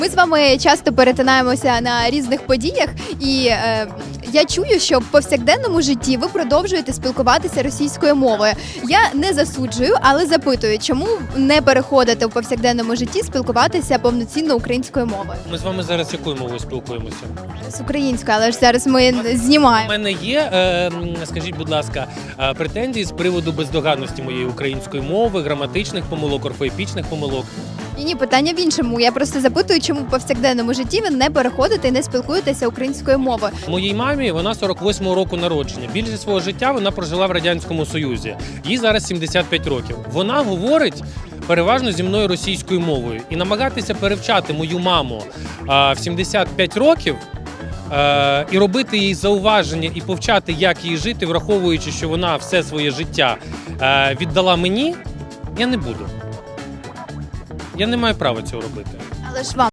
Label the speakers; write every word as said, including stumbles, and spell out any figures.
Speaker 1: Ми з вами часто перетинаємося на різних подіях, і е, я чую, що в повсякденному житті ви продовжуєте спілкуватися російською мовою. Я не засуджую, але запитую, чому не переходите в повсякденному житті спілкуватися повноцінно українською мовою?
Speaker 2: Ми з вами зараз якою мовою спілкуємося?
Speaker 1: З українською, але ж зараз ми
Speaker 2: У
Speaker 1: знімаємо.
Speaker 2: мене є, е, скажіть, будь ласка, е, претензії з приводу бездоганності моєї української мови, граматичних помилок, орфоепічних помилок.
Speaker 1: Ні, ні, питання в іншому. Я просто запитую, чому в повсякденному житті ви не переходите і не спілкуєтеся українською мовою.
Speaker 2: Моїй мамі вона сорок восьмого року народження. Більшість свого життя вона прожила в Радянському Союзі. Їй зараз сімдесят п'ять років. Вона говорить переважно зі мною російською мовою. І намагатися перевчати мою маму а, в сімдесят п'ять років а, і робити їй зауваження і повчати, як їй жити, враховуючи, що вона все своє життя а, віддала мені, я не буду. Я не маю права цього робити.
Speaker 1: Але ж вам